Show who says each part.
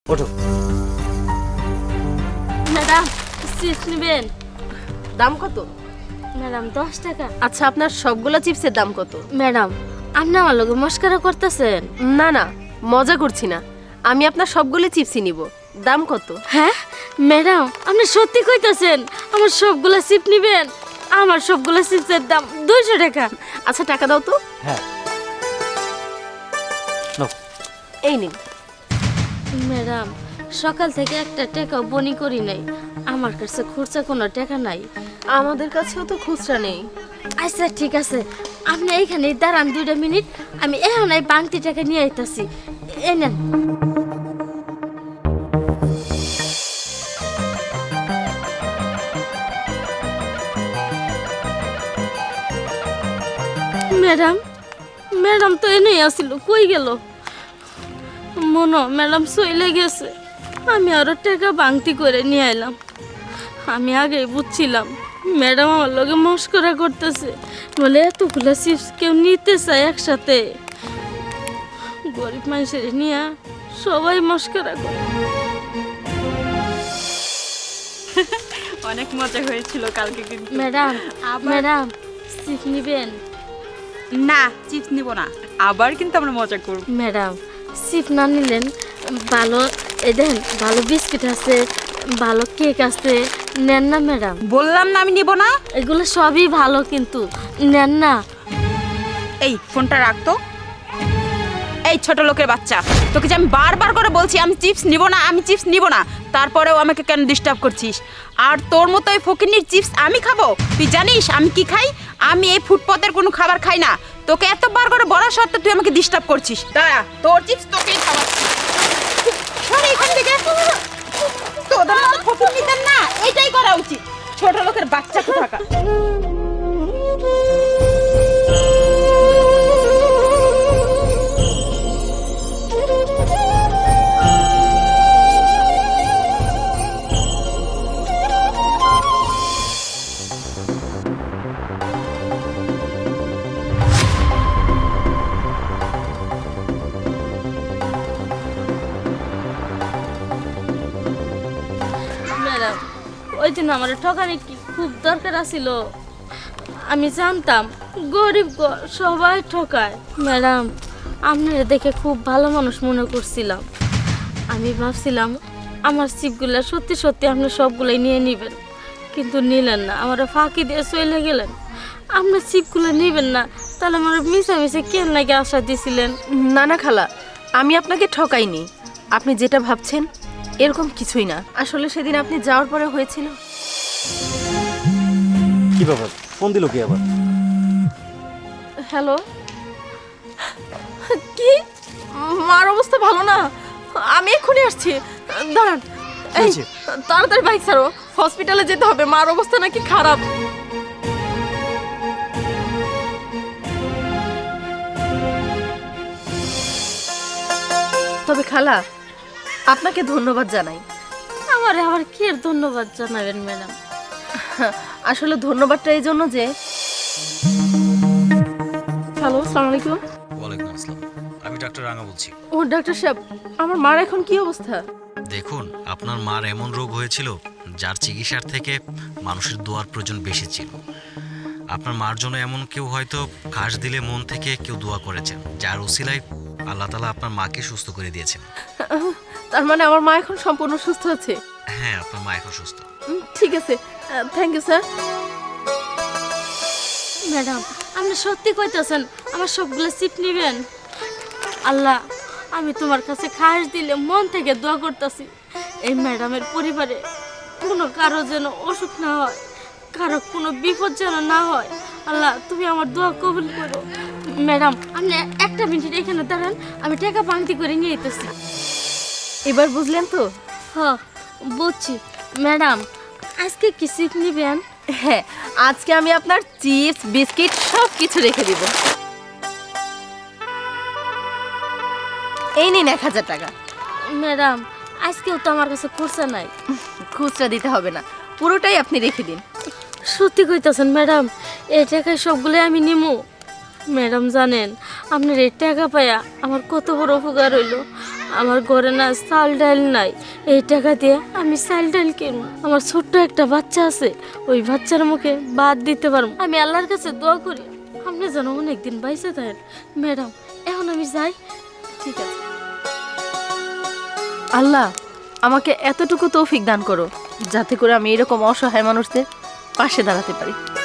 Speaker 1: ওঠো।
Speaker 2: Madam chips নেবেন?
Speaker 3: দাম কত?
Speaker 2: ম্যাডাম 10 টাকা।
Speaker 3: আচ্ছা, আপনার সবগুলো চিপসের দাম কত?
Speaker 2: ম্যাডাম আপনি আমার লগে মস্করা করতেছেন?
Speaker 3: না না, মজা করছি না, আমি আপনার সবগুলো চিপসই নিব। দাম কত?
Speaker 2: হ্যাঁ ম্যাডাম আপনি সত্যি কইতাছেন আমার সবগুলা চিপস নেবেন? আমার সবগুলা চিপসের দাম 200 টাকা।
Speaker 3: আচ্ছা, টাকা দাও তো।
Speaker 1: হ্যাঁ নাও।
Speaker 3: এই নিন।
Speaker 2: ম্যাডাম সকাল থেকে একটা টাকাও বনি করি নাই, আমার কাছে খুচরা কোনো টাকা নাই।
Speaker 3: আমাদের কাছেও তো খুচরা নেই।
Speaker 2: আচ্ছা ঠিক আছে, আপনি এইখানে দাঁড়ান 2 মিনিট, আমি এখন এই বাংতি টাকা নিয়ে আইতাছি। এই নেন। ম্যাডাম ম্যাডাম তো এনেই আসিল, কই গেল? মনো ম্যাডাম চলে গেছে। আমি আরো টাকা বাংতি করে নিয়ে এলাম। আমি আগেই বুঝছিলাম ম্যাডাম আমার লগে মস্করা করতেছে, বলে এতগুলো চিপস কেউ নিতে চায় একসাথে। গরিব মানুষের নিয়ে সবাই মস্করা করে।
Speaker 4: অনেক মজা হয়েছিল কালকে কিন্তু।
Speaker 2: ম্যাডাম ম্যাডাম চিপস নিবেন?
Speaker 4: না, চিপস নিব না, আবার কিন্তু আমরা মজা করব।
Speaker 2: ম্যাডাম চিপস না নিলেন ভালো, এই দেন ভালো বিস্কিট আছে, ভালো কেক আছে, নেন না ম্যাডাম?
Speaker 4: বললাম না আমি নিব না।
Speaker 2: এগুলো সবই ভালো কিন্তু নেন না।
Speaker 4: এই ফোনটা রাখতো। এই ছোট লোকের বাচ্চা, তোকে যে আমি বারবার করে বলছি আমি চিপস নিব না, আমি চিপস নিব না, তারপরেও আমাকে কেন ডিস্টার্ব করছিস? আর তোর মতো এই ফকিন্নির চিপস আমি খাবো? তুই জানিস আমি কি খাই? আমি এই ফুটপাতের কোনো খাবার খাই না। তোকে এতবার করে বলা সত্ত্বেও তুই আমাকে ডিস্টার্ব করছিস। দাঁড়া, তোর চিপস তোকেই খাওয়াচ্ছি। সরে এখান থেকে। তোদের মতো ফকিন্নিদের না এটাই করা উচিত, ছোট লোকের বাচ্চা কোথাকার।
Speaker 2: ম্যাডাম ওই দিন আমার ঠকানি কি খুব দরকার আছিল? আমি জানতাম গরিব সবাই ঠকায়। ম্যাডাম আপনারা দেখে খুব ভালো মানুষ মনে করছিলাম। আমি ভাবছিলাম আমার চিপগুলা সত্যি সত্যি আপনি সবগুলাই নিয়ে নেবেন, কিন্তু নিলেন না, আমার ফাঁকি দিয়ে চলে গেলেন। আপনার চিপগুলো নেবেন না, তাহলে আমার মিশামিশি কেন লাগে আশা দিছিলেন?
Speaker 3: না না খালা, আমি আপনাকে ঠকাইনি। আপনি যেটা ভাবছেন এরকম কিছুই না। আসলে সেদিন আপনি যাওয়ার পরে হয়েছিল।
Speaker 1: কি ব্যাপার, ফোন দিল কি আবার?
Speaker 3: হ্যালো, কি মার অবস্থা ভালো না? আমি এক্ষুনি আসছি, দাঁড়ান। এই
Speaker 1: হয়েছে?
Speaker 3: তাড়াতাড়ি বাইক ছাড়ো, হসপিটালে যেতে হবে, মার অবস্থা নাকি খারাপ। তবে খালা, আপনাকে ধন্যবাদ জানাই।
Speaker 2: আমার আবার কি এর ধন্যবাদ জানাবেন ম্যাডাম?
Speaker 3: আসলে ধন্যবাদটা এই জন্য যে, হ্যালো, আসসালামু আলাইকুম।
Speaker 5: ওয়ালাইকুম আসসালাম, আমি ডাক্তার রাঙা বলছি।
Speaker 3: ও ডাক্তার সাহেব, আমার মার এখন কি অবস্থা?
Speaker 5: দেখুন, আপনার মার এমন রোগ হয়েছিল যার চিকিৎসার থেকে মানুষের দোয়ার প্রয়োজন বেশি ছিল। আপনার মার জন্য এমন কেউ হয়তো কাশ দিলে মন থেকে কেউ দোয়া করেছেন, যার উসিলায় আল্লাহ তাআলা আপনার মাকে সুস্থ করে দিয়েছেন।
Speaker 3: তার মানে আমার মা এখন সম্পূর্ণ সুস্থ আছে?
Speaker 5: হ্যাঁ, আপনার মা এখন সুস্থ।
Speaker 3: ঠিক আছে, থ্যাংক ইউ স্যার।
Speaker 2: ম্যাডাম আপনি সত্যি কইতাছেন আমার সবগুলো চিপ নেবেন? আল্লাহ আমি তোমার কাছে খাস দিলে মন থেকে দোয়া করতেছি এই ম্যাডামের পরিবারে কোনো কারো যেন অসুখ না হয়, কারো কোনো বিপদ যেন না হয়। আল্লাহ তুমি আমার দোয়া কবুল করো। ম্যাডাম আপনি একটা মিনিট এখানে দাঁড়ান, আমি টাকা বাংতি করে নিয়ে যেতেছি।
Speaker 3: এবার বুঝলেন তো?
Speaker 2: হ্যাঁ বুঝছি। ম্যাডাম আজকে কি চিপ নেবেন?
Speaker 3: হ্যাঁ, আজকে আমি আপনার চিপস বিস্কিট সব কিছু রেখে দিব। এই নিন 1000 টাকা।
Speaker 2: ম্যাডাম আজকেও তো আমার কাছে খুচরা নাই।
Speaker 3: খুচরা দিতে হবে না, পুরোটাই আপনি রেখে দিন।
Speaker 2: সত্যি কইতাছেন ম্যাডাম? এই টাকায় সবগুলো আমি নিমু? ম্যাডাম জানেন আপনার এই টাকা পায়া আমার কত বড় উপকার হইল। আমার ঘরে না চাল ডাল নাই, এই টাকা দিয়ে আমি চাল ডাল কিনবো। আমার ছোট্ট একটা বাচ্চা আছে, ওই বাচ্চার মুখে ভাত দিতে পারবো। আমি আল্লাহর কাছে দোয়া করি আপনি যেন অনেকদিন বাইসে থাকেন। ম্যাডাম এখন আমি যাই।
Speaker 3: ঠিক আছে। আল্লাহ আমাকে এতটুকু তৌফিক দান করো যাতে করে আমি এরকম অসহায় মানুষদের পাশে দাঁড়াতে পারি।